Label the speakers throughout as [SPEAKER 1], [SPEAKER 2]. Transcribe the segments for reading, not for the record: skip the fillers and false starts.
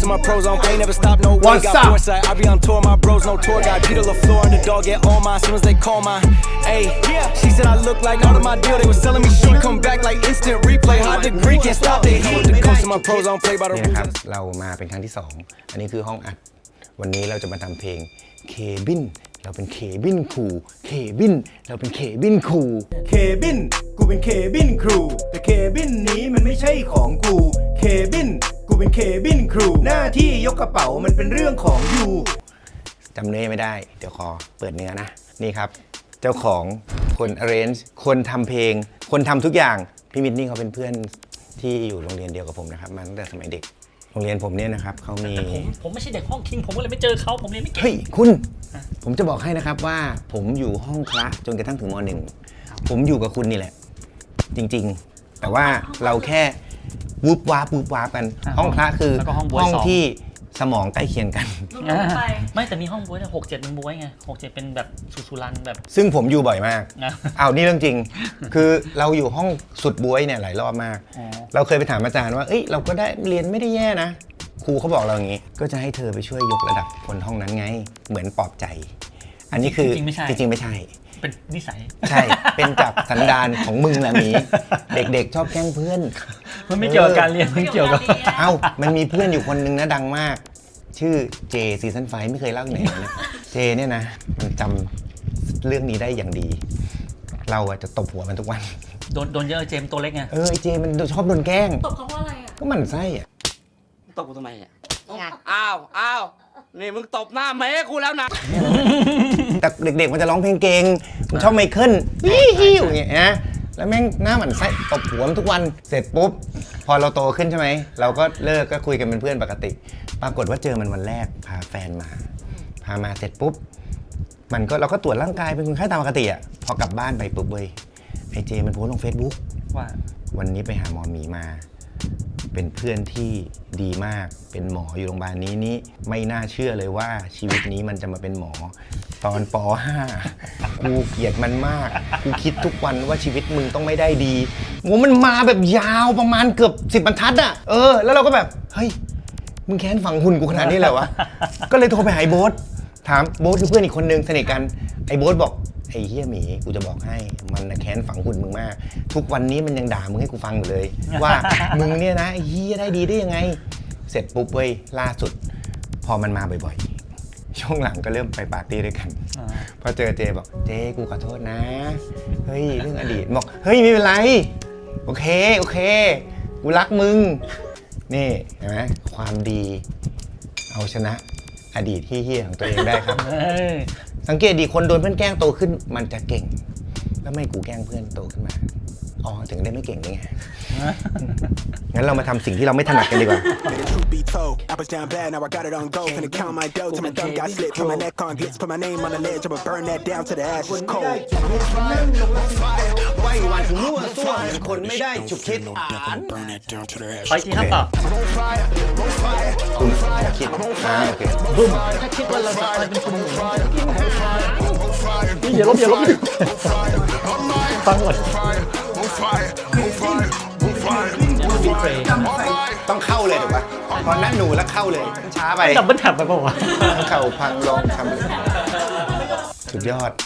[SPEAKER 1] to my pros, I ain't never stop, no way, got foresight. I be on tour, my bros, no tour guide. Peter LaFleur, underdog, get all mine, soon as they call mine. Ayy, she said I look like out of my deal, they was selling me shit, come back like instant replay. Hot degree, can't stop the heat. When it comes to my pros, I don't play by the rules.
[SPEAKER 2] นะครับเรามาเป็นครั้งที่2อันนี้คือห้องอัดวันนี้เราจะมาทำเพลงเคบินเราเป็นเคบินครูเคบินเราเป็นเคบินครูเคบินกูเป็นเคบินครูแต่เคบินนี้มันไม่ใช่ของกูเคบินกูเป็นเคบินครูหน้าที่ยกกระเป๋ามันเป็นเรื่องของยูจำเนื้อไม่ได้เดี๋ยวขอเปิดเนื้อนะนี่ครับเจ้าของคน arrange คนทำเพลงคนทำทุกอย่างพี่มิดนี่เขาเป็นเพื่อนที่อยู่โรงเรียนเดียวกับผมนะครับมาตั้งแต่สมัยเด็กโรงเรียนผมเนี่ยนะครับเขามี
[SPEAKER 3] ผมไม่ใช่เด็กห้องคิงผมก็เลยไม่เจอเขาผมเรียนไม่เก่ง
[SPEAKER 2] เฮ้ยคุณผมจะบอกให้นะครับว่าผมอยู่ห้องคละจนกระทั่งถึงม.1 ผมอยู่กับคุณนี่แหละจริงๆแต่ว่าเราแค่วูบวาบกันห้องคละคือห้องที่สมองใกล้เคียงกัน
[SPEAKER 3] ไม่แต่มีห้องบ๊วยเนี่ย6-7มันบ๊วยไง6-7เป็นแบบสุรันแบบ
[SPEAKER 2] ซึ่งผมอยู่บ่อยมากเอานี่เรื่องจริงคือเราอยู่ห้องสุดบ๊วยเนี่ยหลายรอบมากเราเคยไปถามอาจารย์ว่าเอ้ยเราก็ได้เรียนไม่ได้แย่นะครูเขาบอกเราอย่างนี้ก็จะให้เธอไปช่วยยกระดับคนห้องนั้นไงเหมือนปลอบใจอันนี้คือจริงไม่ใช่
[SPEAKER 3] เป็นนิสัย
[SPEAKER 2] ใช่เป็นจากสันดานของมึงแหละมีเด็กๆชอบแกล้งเพื่อน
[SPEAKER 3] มันไม่เกี่ยวกับการเรียนมันเกี่ยวกับ
[SPEAKER 2] มันมีเพื่อนอยู่คนนึงนะดังมากชื่อเจซีซั่น5ไม่เคยเล่าที่ไหนนะเจเนี่ยนะมันจำเรื่องนี้ได้อย่างดีเราจะตบหัวมันทุกวัน
[SPEAKER 3] โดนเยอะเจมตัวเล็กไง
[SPEAKER 2] ไอเจมันชอบโดนแกล้ง
[SPEAKER 4] ตบเขาเพราะอะไรอ่ะ
[SPEAKER 2] ก็มันไส้อ่ะ
[SPEAKER 5] ตบกูทำไมอ่ะอ้าวนี่มึงตบหน้าแม่กูแล้วนะ
[SPEAKER 2] แต่เด็กๆมันจะร้องเพลงเก่งมันชอบไมเคิลฮิ้วอย่างเงี้ยนะแล้วแม่งหน้าหมันไส้ตบหัวมันทุกวันเสร็จปุ๊บพอเราโตขึ้นใช่ไหมเราก็เลิกก็คุยกันเป็นเพื่อนปกติปรากฏว่าเจอมันวันแรกพาแฟนมาพามาเสร็จปุ๊บมันก็เราก็ตรวจร่างกายเป็นคนไข้ตามปกติอ่ะพอกลับบ้านไปปุ๊บเว้ยไอเจมันโพสต์ลง Facebook
[SPEAKER 3] ว่า
[SPEAKER 2] วันนี้ไปหาหมอหมีมาเป็นเพื่อนที่ดีมากเป็นหมออยู่โรงพยาบาลนี้ไม่น่าเชื่อเลยว่าชีวิตนี้มันจะมาเป็นหมอตอนป.5 กูเกลียดมันมากกูคิดทุกวันว่าชีวิตมึงต้องไม่ได้ดีโหมันมาแบบยาวประมาณเกือบ10 บรรทัดอ่ะแล้วเราก็แบบเฮ้ยมึงแค้นฝังหุ่นกูขนาดนี้เลยวะก็เลยโทรไปหาไอ้โบ๊ทถามโบ๊ทคือเพื่อนอีกคนนึงสนิทกันไอ้โบ๊ทบอกไอ้เฮียหมีกูจะบอกให้มันแค้นฝังหุ่นมึงมากทุกวันนี้มันยังด่ามึงให้กูฟังอยู่เลยว่ามึงเนี่ยนะไอ้เฮียได้ดีได้ยังไงเสร็จปุ๊บเว้ยล่าสุดพอมันมาบ่อยๆช่วงหลังก็เริ่มไปปาร์ตี้ด้วยกันพอเจอเจบอกเจกูขอโทษนะเฮ้ยเรื่องอดีตบอกเฮ้ยไม่เป็นไรโอเคกูรักมึงนี่เห็นไหมความดีเอาชนะอดีตที่เฮี้ยของตัวเองได้ครับสังเกตดีคนโดนเพื่อนแกล้งโตขึ้นมันจะเก่งแล้วไม่กูแกล้งเพื่อนโตขึ้นมาถึงได้ไม่เก่งได้ไงงั้นเรามาทำสิ่งที่เราไม่ถนัดกันดีกว่าคนไม่ได้ฉุกคิด
[SPEAKER 3] ไปทีครับต่อ
[SPEAKER 2] คุณคิดโอเค
[SPEAKER 3] บึ้มถ้าคิดว่าเราจะเป็นคุณอย่าลบฟังก่อน
[SPEAKER 2] ต้องเข้าเลยถูกปะตอนนั้นหนูแล้วเข้าเลยช้าไป
[SPEAKER 3] ดับเบิ้ลแท็บไปป่าวะ
[SPEAKER 2] เข่าพังลองทำสุดยอด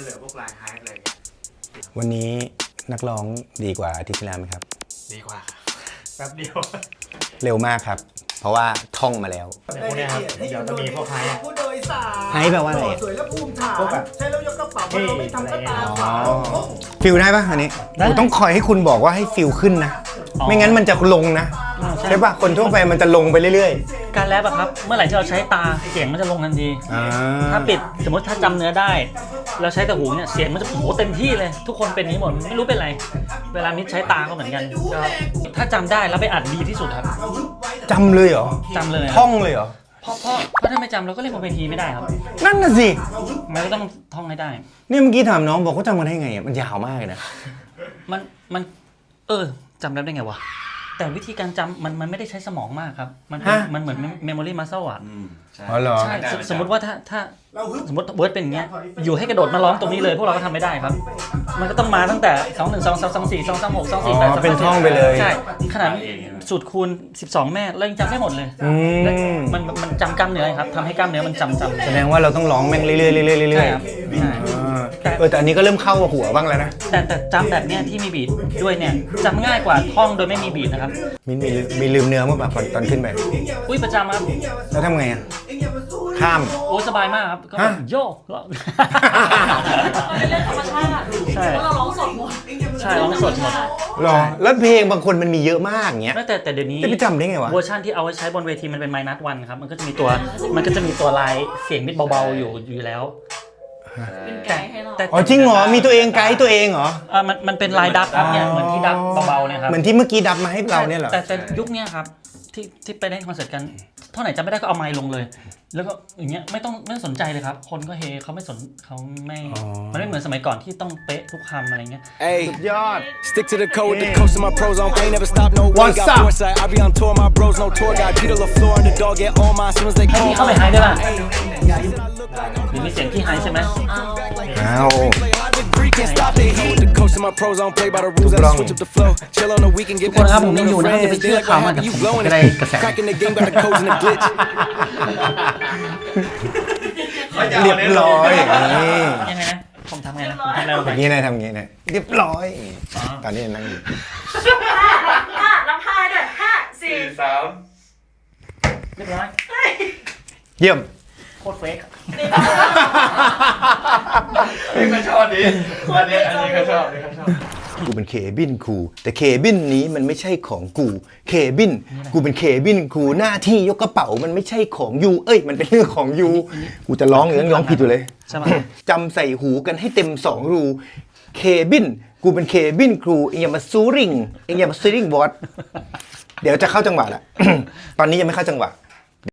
[SPEAKER 2] วันนี้นักร้องดีกว่าอาทิตย์ที่แล้วไหมครับ
[SPEAKER 3] ดีกว่าแป๊บเดียว
[SPEAKER 2] เร็วมากครับเพราะว่าท่องมาแล้ว
[SPEAKER 3] พวกนี้ครับเดี๋ยวจะมีพวกไฮ
[SPEAKER 2] ผู้โดยสารไฮแปลว่าอะไร
[SPEAKER 4] สวยและภูมิฐานใช้แล้วยกกระเป๋าเราไม่ทำกระตาขาว
[SPEAKER 2] ฟิลได้ปะอันนี้ต้องคอยให้คุณบอกว่าให้ฟิลขึ้นนะไม่งั้นมันจะลงนะใช่ปะคนทั่วไปมันจะลงไปเรื่อย
[SPEAKER 3] ๆการแรปอะครับเมื่อไหร่ที่เราใช้ตาเสียงมันจะลงทันทีถ้าปิดสมมติถ้าจำเนื้อได้เราใช้แต่หูเนี่ยเสียงมันจะโหเต็มที่เลยทุกคนเป็นนี้หมดไม่รู้เป็นไรเวลามิดใช้ตาก็เหมือนกันถ้าจำได้แล้วไปอัดดีที่สุดครับ
[SPEAKER 2] จำเลยเหรอ
[SPEAKER 3] จำเลย
[SPEAKER 2] ท่องเลยเหรอ
[SPEAKER 3] เพราะถ้าไม่จำเราก็เล่นบนเวทีไม่ได้ครับ
[SPEAKER 2] นั่นน่ะสิ
[SPEAKER 3] มันก็ต้องท่องให้ได้
[SPEAKER 2] นี่เมื่อกี้ถามน้องบอกเขาจำกันได้ไงมันยาวมากเลยนะ
[SPEAKER 3] มันจำได้ไงวะแต่วิธีการจำมันไม่ได้ใช้สมองมากครับมันเหมือนเมมโมรี่มัสเซลอ่ะ
[SPEAKER 2] อ๋อเหรอ
[SPEAKER 3] ใช่สมมติว่าถ้าสมมติเวิร์ดเป็นอย่างเงี้ยอยู่ให้กระโดดมาร้องตรงนี้เลยพวกเราก็ทำไม่ได้ครับ มันก็ต้องมาตั้งแต่2 1 2 2 2 4 2 3 6 2 4 8 2
[SPEAKER 2] เป็นท่องไปเลย
[SPEAKER 3] ใช่ขนาดสูตรคูณ12 แม่เรายังจำไม่หมดเลยและมันจำกล้ามเนื้อครับทำให้กล้ามเนื้อมันจำ
[SPEAKER 2] แสดงว่าเราต้องร้องแม่งเรื่อยๆเรื่อยๆเรื่
[SPEAKER 3] ใช่
[SPEAKER 2] อย
[SPEAKER 3] ครับ
[SPEAKER 2] ๆแต่อันนี้ก็เริ่มเข้าหัวบ้างแล้วนะ
[SPEAKER 3] แต่จำแบบเนี้ยที่มีบีทด้วยเนี่ยจำง่ายกว่าท่องโดยไม่มีบีทนะครับ
[SPEAKER 2] มีลืมเนื้อมั้งแบบตอนขึ้นไป
[SPEAKER 3] อุ้ยประจำครับ
[SPEAKER 2] แล้วทำไงอ่ะข้าม
[SPEAKER 3] โอ้สบายมากครับก็
[SPEAKER 2] ฮะ
[SPEAKER 3] โยก
[SPEAKER 6] เป็นเรื่องธรรมชาติ
[SPEAKER 3] ใช่
[SPEAKER 6] เพราะเราร้องสดหมด
[SPEAKER 3] ใช่ร้องสดหมด
[SPEAKER 2] หรอแล้วเพลงบางคนมันมีเยอะมากอย่างเงี้ย
[SPEAKER 3] แต่เดี๋ยวนี้
[SPEAKER 2] จะไปจำได้ไงวะ
[SPEAKER 3] เวอร์ชันที่เอาไว้ใช้บนเวทีมันเป็น -1 ครับมันก็จะมีตัวลายเสียงนิดเบาๆอยู่แล้ว
[SPEAKER 6] เป็นไกด์ให้เรา
[SPEAKER 3] แต่
[SPEAKER 2] อ๋อจริงเหรอมีตัวเองไกด์ตัวเองเหรอ
[SPEAKER 3] มันเป็นลายดับครับเนี่ยเหมือนที่ดับเบาๆเนี่ยครับ
[SPEAKER 2] เหมือนที่เมื่อกี้ดับมาให้เราเนี่ยเหรอ
[SPEAKER 3] แต่ยุคเนี้ยครับที่ไปเล่นคอนเสิร์ตกันเท่าไหร่จำไม่ได้ก็เอาไมค์ลงเลย แล้วก็อย่างเงี้ยไม่ต้องสนใจเลยครับ คนก็เฮเขาไม่สนเขาไม่มันไม่เหมือนสมัยก่อนที่ต้องเป๊ะทุกคำอะไรเงี้ย
[SPEAKER 1] Hey,
[SPEAKER 2] ยอด
[SPEAKER 1] stick to the code with the coast of my pros on. Ain't never stop, no way.
[SPEAKER 2] What's
[SPEAKER 1] Got
[SPEAKER 2] up?
[SPEAKER 1] foresight. I be on tour, my bros, no tour guide. Peter LaFleur and the dog get all mine soon as they
[SPEAKER 3] ให้
[SPEAKER 1] call
[SPEAKER 3] พี่เข้าไป
[SPEAKER 1] mine.
[SPEAKER 3] ไฮได้ป่ะหรือมีเสียงที่ไฮใช่ไหม
[SPEAKER 2] อ้าว
[SPEAKER 1] Play hard to Greek, can't stop they hate. With the coast of my pros on, play by the rules. I switch up the flow. Chill on the weekend, get
[SPEAKER 3] ทุกคนครับผม
[SPEAKER 1] back
[SPEAKER 3] ยัง
[SPEAKER 1] to
[SPEAKER 3] อยู่
[SPEAKER 1] the
[SPEAKER 3] นะครับอย่าไป
[SPEAKER 1] friends.
[SPEAKER 3] เชื่
[SPEAKER 1] They
[SPEAKER 3] อ
[SPEAKER 1] like
[SPEAKER 3] ข่าว
[SPEAKER 1] what
[SPEAKER 3] มาแต่
[SPEAKER 1] happened,
[SPEAKER 3] ผ
[SPEAKER 1] you
[SPEAKER 3] ม
[SPEAKER 1] blowing
[SPEAKER 3] ก็
[SPEAKER 1] it.
[SPEAKER 3] ได้กระแส
[SPEAKER 1] Cracking the game, got the codes and the glitch.
[SPEAKER 2] เรียบร้อยอย่างนี้
[SPEAKER 3] ยังไงนะผมทำไงนะผมทำอะไรลงไป
[SPEAKER 2] อย่างนี้นายทำอย่างนี้นะเรียบร้อยตอนนี้นั่งอยู่
[SPEAKER 6] ห้ารับห้าด้วย5 4
[SPEAKER 3] เรียบร้อย
[SPEAKER 2] เยี่ยม
[SPEAKER 3] โคตรเฟก
[SPEAKER 2] กูเป็นเคบินครูแต่เคบินนี้มันไม่ใช่ของกูเคบินกูเป็นเคบินครูหน้าที่ยกกระเป๋ามันไม่ใช่ของยูเอ้ยมันเป็นเรื่องของยูกูจะร้องยังร้องผิดอยู่เลย
[SPEAKER 3] ใช่ไหม
[SPEAKER 2] จำใส่หูกันให้เต็ม2 รูเคบินกูเป็นเคบินครูเองอย่ามาซูริงเองอย่ามาซูริงบอสเดี๋ยวจะเข้าจังหวะละ ตอนนี้ยังไม่เข้าจังหวะ